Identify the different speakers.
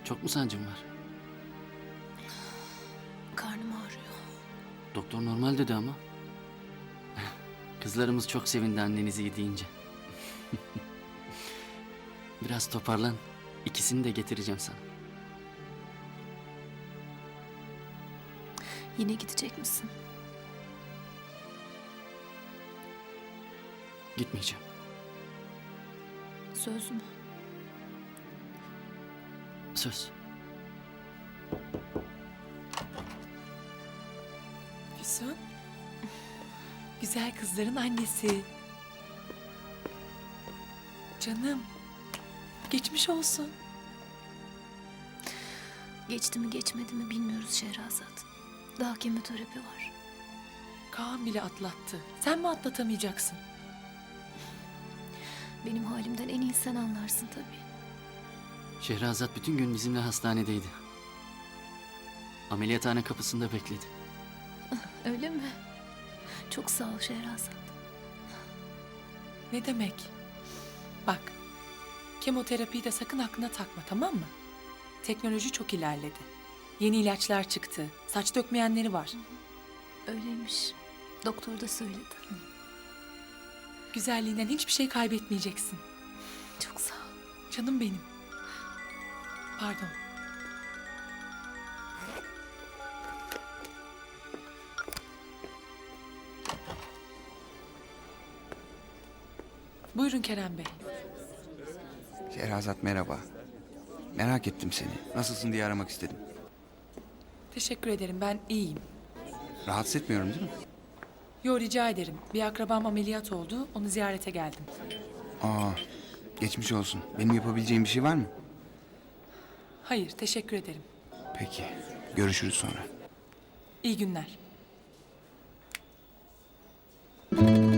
Speaker 1: Çok mu sancın var?
Speaker 2: Karnım ağrıyor.
Speaker 1: Doktor normal dedi ama. Kızlarımız çok sevindi annenizi iyi deyince. Biraz toparlan. İkisini de getireceğim sana.
Speaker 2: Yine gidecek misin?
Speaker 1: Gitmeyeceğim.
Speaker 2: Söz mü?
Speaker 1: Söz.
Speaker 3: Füsun. Güzel kızların annesi. Canım. Geçmiş olsun.
Speaker 2: Geçti mi geçmedi mi bilmiyoruz Şehrazat. Daha kemoterapi var.
Speaker 3: Kaan bile atlattı. Sen mi atlatamayacaksın?
Speaker 2: Benim halimden en iyi sen anlarsın tabii.
Speaker 1: Şehrazat bütün gün bizimle hastanedeydi. Ameliyathane kapısında bekledi.
Speaker 2: Öyle mi? Çok sağ ol Şehrazat.
Speaker 3: Ne demek? Bak. Kemoterapiyi de sakın aklına takma, tamam mı? Teknoloji çok ilerledi. Yeni ilaçlar çıktı. Saç dökmeyenleri var.
Speaker 2: Öyleymiş. Doktor da söyledi.
Speaker 3: Güzelliğinden hiçbir şey kaybetmeyeceksin.
Speaker 2: Çok sağ ol.
Speaker 3: Canım benim. Pardon. Buyurun Kerem Bey.
Speaker 4: Şehrazat merhaba. Merak ettim seni. Nasılsın diye aramak istedim.
Speaker 3: Teşekkür ederim, ben iyiyim.
Speaker 4: Rahatsız etmiyorum değil mi?
Speaker 3: Yo, rica ederim. Bir akrabam ameliyat oldu, onu ziyarete geldim.
Speaker 4: Aa, geçmiş olsun. Benim yapabileceğim bir şey var mı?
Speaker 3: Hayır, teşekkür ederim.
Speaker 4: Peki. Görüşürüz sonra.
Speaker 3: İyi günler.